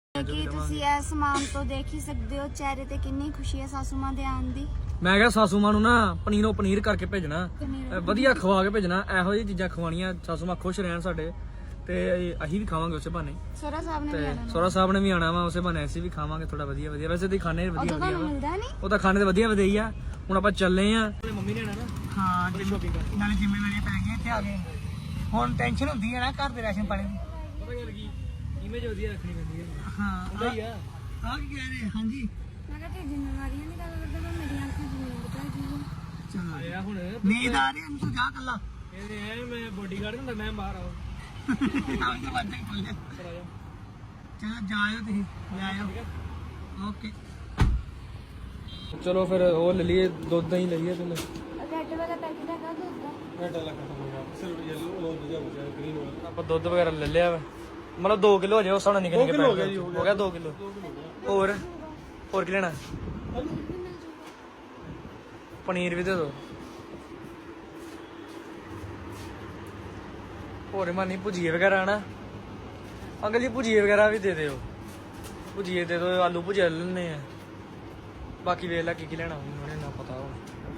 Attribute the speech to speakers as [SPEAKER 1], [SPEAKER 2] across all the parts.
[SPEAKER 1] ਕਿ ਤੁਸੀਂ ਇਹ ਸਮਾਨ ਤੋਂ ਦੇਖ ਹੀ ਸਕਦੇ ਹੋ ਚਿਹਰੇ ਤੇ ਕਿੰਨੀ ਖੁਸ਼ੀ ਹੈ ਸਾਸੂ ਮਾਂ ਦੇ ਆਉਣ ਦੀ।
[SPEAKER 2] ਮੈਂ ਕਿਹਾ ਸਾਸੂ ਮਾਂ ਨੂੰ ਨਾ ਪਨੀਰੋਂ ਪਨੀਰ ਕਰਕੇ ਭੇਜਣਾ, ਵਧੀਆ ਖਵਾ ਕੇ ਭੇਜਣਾ, ਇਹੋ ਜਿਹੀ ਚੀਜ਼ਾਂ ਖਵਾਉਣੀਆਂ, ਸਾਸੂ ਮਾਂ ਖੁਸ਼ ਰਹਿਣ ਸਾਡੇ, ਤੇ ਅਸੀਂ ਵੀ ਖਾਵਾਂਗੇ ਉਸੇ ਬਹਾਨੇ।
[SPEAKER 1] ਸੋਹਰਾ ਸਾਹਿਬ ਨੇ ਵੀ ਆਣਾ,
[SPEAKER 2] ਸੋਹਰਾ ਸਾਹਿਬ ਨੇ ਵੀ ਆਣਾ ਵਾ, ਉਸੇ ਬਹਾਨੇ ਅਸੀਂ ਵੀ ਖਾਵਾਂਗੇ ਥੋੜਾ ਵਧੀਆ ਵਧੀਆ। ਵੈਸੇ ਤੇ ਖਾਣੇ ਵਧੀਆ ਵਧੀਆ
[SPEAKER 1] ਮਿਲਦਾ ਨਹੀਂ,
[SPEAKER 2] ਉਹ ਤਾਂ ਖਾਣੇ ਤੇ ਵਧੀਆ ਵਧੀਆ ਹੀ ਆ। ਹੁਣ ਆਪਾਂ ਚੱਲੇ ਆ, ਮੰਮੀ ਨੇ ਆਣਾ ਨਾ। ਹਾਂ ਸ਼ੋਪਿੰਗ ਕਰ, ਨਾਲੇ ਜ਼ਿੰਮੇਵਾਰੀਆਂ ਪੈ ਗਈਆਂ ਇੱਥੇ ਆ ਗਏ। ਹੁਣ ਟੈਨਸ਼ਨ ਹੁੰਦੀ ਹੈ ਨਾ ਘਰ ਦੇ ਰਾਸ਼ਨ ਪਾਣੀ ਦੀ, ਪਤਾ ਗੱਲ ਕੀ ਇਮੇਜ ਵਧੀਆ ਰੱਖਣੀ ਪੈਂਦੀ ਹੈ। ਹਾਂ ਹੁੰਦਾ ਹੀ ਆ। ਆ ਕੀ ਕਹਿ ਰਹੇ? ਹਾਂਜੀ
[SPEAKER 1] ਮੈਂ ਕਿਹਾ ਤੇ ਜ਼ਿੰਮੇਵਾਰੀਆਂ ਦੀ ਗੱਲ ਕਰਦਾ ਮੈਂ ਮੇਰੀਆਂ ਅੱਖਾਂ ਜ਼ਮੀਨ ਬਤਾ ਜੀ।
[SPEAKER 2] ਚਲ ਆਇਆ ਹੁਣ ਨੀਂਦ ਆ ਰਹੀ ਹੈ, ਤੂੰ ਜਾ ਕੱਲਾ। ਇਹ ਮੈਂ ਬੋਡੀਗਾਰਡ ਹੁੰਦਾ, ਮੈਂ ਬਾਹਰ ਆਉਂ ਚਲੋ ਜਾਇਓ ਤੁਸੀਂ, ਜਾਇਓ। ਓਕੇ ਚਲੋ ਫਿਰ ਉਹ ਲੈ ਲਈਏ, ਦੁੱਧ ਹੀ ਲਈਏ। ਤੂੰ
[SPEAKER 1] ਰੈੱਡ ਵਾਲਾ ਪੈਕੇਟ ਹੈਗਾ ਦੁੱਧ ਦਾ,
[SPEAKER 2] ਰੈੱਡ ਵਾਲਾ ਸਿਰਫ ਯੈਲੋ ਉਹ ਵਧੀਆ ਬਚਿਆ, ਗ੍ਰੀਨ ਵਾਲਾ ਆਪਾਂ ਦੁੱਧ ਵਗੈਰਾ ਲੈ ਲਿਆ ਵਾ। ਮਤਲਬ 2 ਕਿਲੋ ਹੋ ਜਾਏ ਉਸ ਹਿਸਾਬ ਨਾਲ ਨਿਕਲ ਕੇ ਹੋ ਗਿਆ 2 ਕਿਲੋ। ਹੋਰ ਕੀ ਲੈਣਾ? ਪਨੀਰ ਵੀ ਦੇ ਦੋ। ਹੋਰ ਮਾਨੀ ਭੁਜੀਏ ਵਗੈਰਾ ਨਾ ਅੰਕਲ ਜੀ, ਭੁਜੀਏ ਵਗੈਰਾ ਵੀ ਦੇ ਦਿਓ। ਭੁਜੀਏ ਦੇ ਦਿਓ, ਆਲੂ ਭੁਜੀਆ ਲੈ ਲੈਣੇ ਆ। ਬਾਕੀ ਵੇਖ ਲੈ ਕੀ ਲੈਣਾ ਮੈਨੂੰ ਨਾ ਪਤਾ ਹੋ।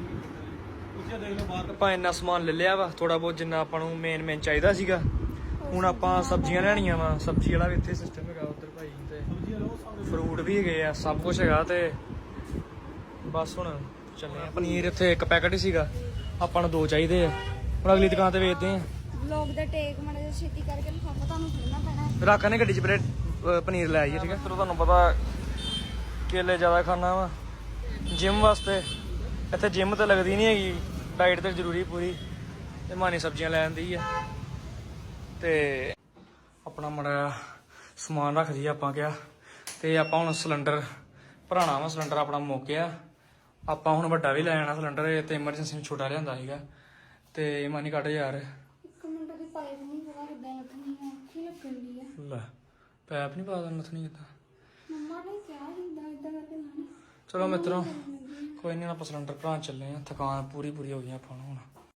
[SPEAKER 2] ਆਪਾਂ ਇੰਨਾ ਸਮਾਨ ਲੈ ਲਿਆ ਵਾ, ਥੋੜਾ ਬਹੁਤ ਜਿੰਨਾ ਆਪਾਂ ਨੂੰ ਮੇਨ ਚਾਹੀਦਾ ਸੀਗਾ। ਹੁਣ ਆਪਾਂ ਸਬਜ਼ੀਆਂ ਲੈਣੀਆਂ ਵਾ, ਸਬਜ਼ੀ ਵਾਲਾ ਵੀ ਇੱਥੇ ਸਿਸਟਮ ਹੈਗਾ ਉੱਧਰ ਭਾਈ, ਤੇ ਫਰੂਟ ਵੀ ਹੈਗੇ ਆ, ਸਭ ਕੁਝ ਹੈਗਾ। ਤੇ ਬਸ ਹੁਣ ਚੱਲੇ ਆ। ਪਨੀਰ ਇੱਥੇ 1 ਪੈਕਟ ਹੀ ਸੀਗਾ, ਆਪਾਂ ਨੂੰ 2 ਚਾਹੀਦੇ ਆ। ਹੁਣ ਅਗਲੀ ਦੁਕਾਨ ਤੇ ਵੇਚਦੇ ਆ।
[SPEAKER 1] ਲੋਕ ਦਾ ਟੇਕ ਮਾੜਾ ਜਿਹਾ ਛੇਤੀ ਕਰਕੇ ਲਿਫਾਫਾ ਤੁਹਾਨੂੰ ਖੜਨਾ ਪੈਣਾ।
[SPEAKER 2] ਰੱਖਾਂਗੇ ਗੱਡੀ 'ਚ ਪਨੀਰ ਲੈ ਆਈਏ, ਠੀਕ ਹੈ। ਫਿਰ ਤੁਹਾਨੂੰ ਪਤਾ ਕੇਲੇ ਜ਼ਿਆਦਾ ਖਾਣਾ ਵਾ ਜਿਮ ਵਾਸਤੇ, ਇੱਥੇ ਜਿਮ ਤੇ ਲੱਗਦੀ ਨਹੀਂ ਹੈਗੀ, ਡਾਈਟ ਤੇ ਜ਼ਰੂਰੀ ਪੂਰੀ। ਤੇ ਮਾਨੀ ਸਬਜ਼ੀਆਂ ਲੈ ਆਂਦੀ ਆ, ਤੇ ਆਪਣਾ ਮਾੜਾ ਸਮਾਨ ਰੱਖ ਦਈਏ ਆਪਾਂ ਕਿਹਾ। ਤੇ ਆਪਾਂ ਹੁਣ ਸਿਲੰਡਰ ਭਰਾਣਾ ਵਾ, ਸਿਲੰਡਰ ਆਪਣਾ ਮੁੱਕ ਗਿਆ। ਆਪਾਂ ਹੁਣ ਵੱਡਾ ਵੀ ਲੈ ਜਾਣਾ ਸਿਲੰਡਰ, ਤੇ ਐਮਰਜੈਂਸੀ ਨੂੰ ਛੋਟਾ ਲਿਆਂਦਾ ਸੀਗਾ। ਤੇ ਮਾਨੀ ਕੱਢ ਯਾਰ,
[SPEAKER 1] ਇੱਕ ਮਿੰਟ ਦੀ ਪਾਈਪ ਨਹੀਂ ਪਤਾ ਕਿੱਦਾਂ ਲੱਗਣੀ ਹੈ, ਔਖੀ ਲੱਗਣ ਦੀ ਹੈ।
[SPEAKER 2] ਲੈ ਪੈਪ ਨਹੀਂ ਪਾ ਦੇਣਾ, ਨੱਥਣੀ ਕਿੱਦਾਂ?
[SPEAKER 1] ਮੰਮਾ ਨੇ ਕਿਹਾ ਇਦਾਂ ਕਰਕੇ ਲਾਣੀ।
[SPEAKER 2] ਚਲੋ ਮਿੱਤਰੋ, ਕੋਈ ਨਹੀਂ, ਆਪਾਂ ਸਿਲੰਡਰ ਭਰਾਉਣ ਚੱਲੇ ਆ। ਥਕਾਨ ਪੂਰੀ ਹੋ ਗਈ ਆਪਾਂ ਨੂੰ ਹੁਣ।